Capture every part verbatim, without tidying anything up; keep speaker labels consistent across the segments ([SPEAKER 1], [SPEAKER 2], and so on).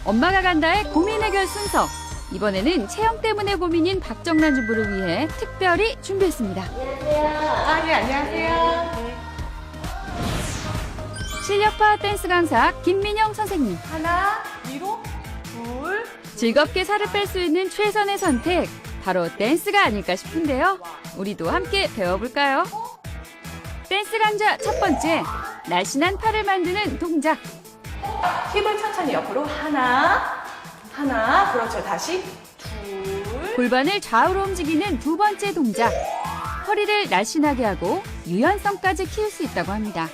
[SPEAKER 1] 엄마가 간다의 고민 해결 순서. 이번에는 체형 때문에 고민인 박정란 주부를 위해 특별히 준비했습니다.
[SPEAKER 2] 안녕하세요.
[SPEAKER 3] 아, 네, 안녕하세요.
[SPEAKER 2] 네.
[SPEAKER 1] 실력파 댄스 강사 김민영 선생님.
[SPEAKER 3] 하나, 위로, 둘.
[SPEAKER 1] 즐겁게 살을 뺄 수 있는 최선의 선택. 바로 댄스가 아닐까 싶은데요. 우리도 함께 배워볼까요? 댄스 강좌 첫 번째. 날씬한 팔을 만드는 동작.
[SPEAKER 3] 힙을 천천히 옆으로 하나, 하나. 그렇죠. 다시 둘.
[SPEAKER 1] 골반을 좌우로 움직이는 두 번째 동작. 허리를 날씬하게 하고 유연성까지 키울 수 있다고 합니다.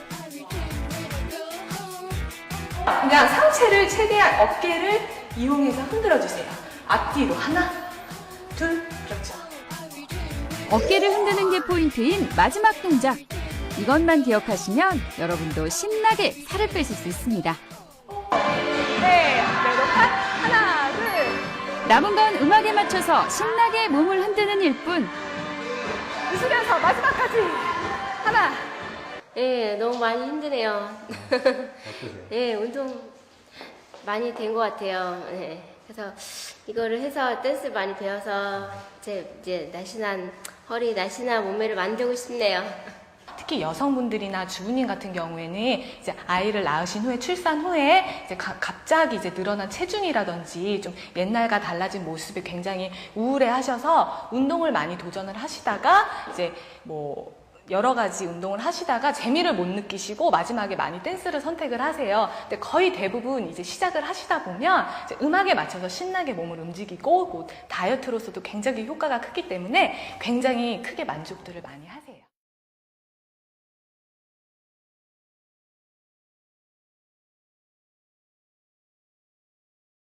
[SPEAKER 3] 그냥 상체를 최대한 어깨를 이용해서 흔들어 주세요. 앞뒤로 하나, 둘. 그렇죠.
[SPEAKER 1] 어깨를 흔드는 게 포인트인 마지막 동작. 이것만 기억하시면 여러분도 신나게 살을 빼실 수 있습니다.
[SPEAKER 3] 네, 그리고 컷. 하나, 둘.
[SPEAKER 1] 남은 건 음악에 맞춰서 신나게 몸을 흔드는 일뿐.
[SPEAKER 3] 웃으면서 마지막까지. 하나.
[SPEAKER 2] 네, 너무 많이 힘드네요.
[SPEAKER 4] 어떠세요?
[SPEAKER 2] 네, 운동 많이 된 것 같아요. 네, 그래서 이거를 해서 댄스 많이 배워서 제 이제 날씬한 허리, 날씬한 몸매를 만들고 싶네요.
[SPEAKER 3] 특히 여성분들이나 주부님 같은 경우에는 이제 아이를 낳으신 후에 출산 후에 이제 가, 갑자기 이제 늘어난 체중이라든지 좀 옛날과 달라진 모습에 굉장히 우울해 하셔서 운동을 많이 도전을 하시다가 이제 뭐 여러 가지 운동을 하시다가 재미를 못 느끼시고 마지막에 많이 댄스를 선택을 하세요. 근데 거의 대부분 이제 시작을 하시다 보면 이제 음악에 맞춰서 신나게 몸을 움직이고 뭐 다이어트로서도 굉장히 효과가 크기 때문에 굉장히 크게 만족들을 많이 하세요.